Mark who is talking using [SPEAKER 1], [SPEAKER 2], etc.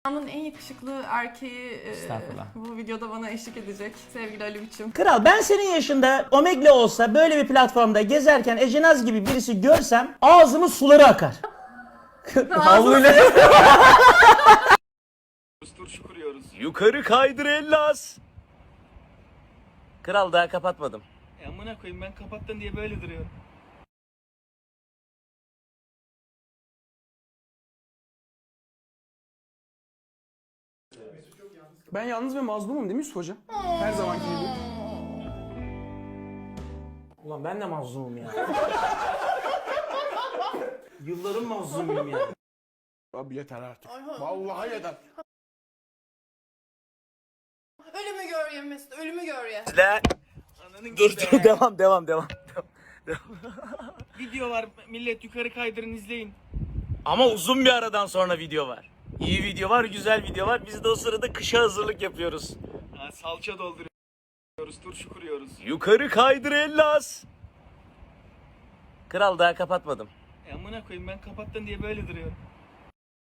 [SPEAKER 1] Dünyanın en yakışıklı erkeği
[SPEAKER 2] Estağfurullah.
[SPEAKER 1] bu videoda bana eşlik edecek. Sevgili Ali Biçim.
[SPEAKER 2] Kral, ben senin yaşında Omegle olsa böyle bir platformda gezerken Ecenaz gibi birisi görsem ağzımın suları akar. Havluyla.
[SPEAKER 3] Turşu kuruyoruz.
[SPEAKER 2] Yukarı kaydır Ellas. Kral, daha kapatmadım.
[SPEAKER 3] Amına koyayım, ben kapattın diye böyle duruyorum.
[SPEAKER 4] Ben yalnız ve mazlumum değil mi Yusuf Hocam? Her zamanki gibi.
[SPEAKER 2] Ulan ben de mazlumum ya. Yılların mazlumuyum ya.
[SPEAKER 4] Abi yeter artık. Vallahi yeter.
[SPEAKER 1] Ölümü gör ya Mesut, ölümü gör ya.
[SPEAKER 2] Dur devam.
[SPEAKER 3] Video var, millet yukarı kaydırın izleyin.
[SPEAKER 2] Ama uzun bir aradan sonra video var. İyi video var, güzel video var. Biz de o sırada kışa hazırlık yapıyoruz.
[SPEAKER 3] Ha, salça dolduruyoruz, turşu kuruyoruz.
[SPEAKER 2] Yukarı kaydır Ellas. Kral, daha kapatmadım.
[SPEAKER 3] Amına koyayım, ben kapattın diye böyle duruyorum.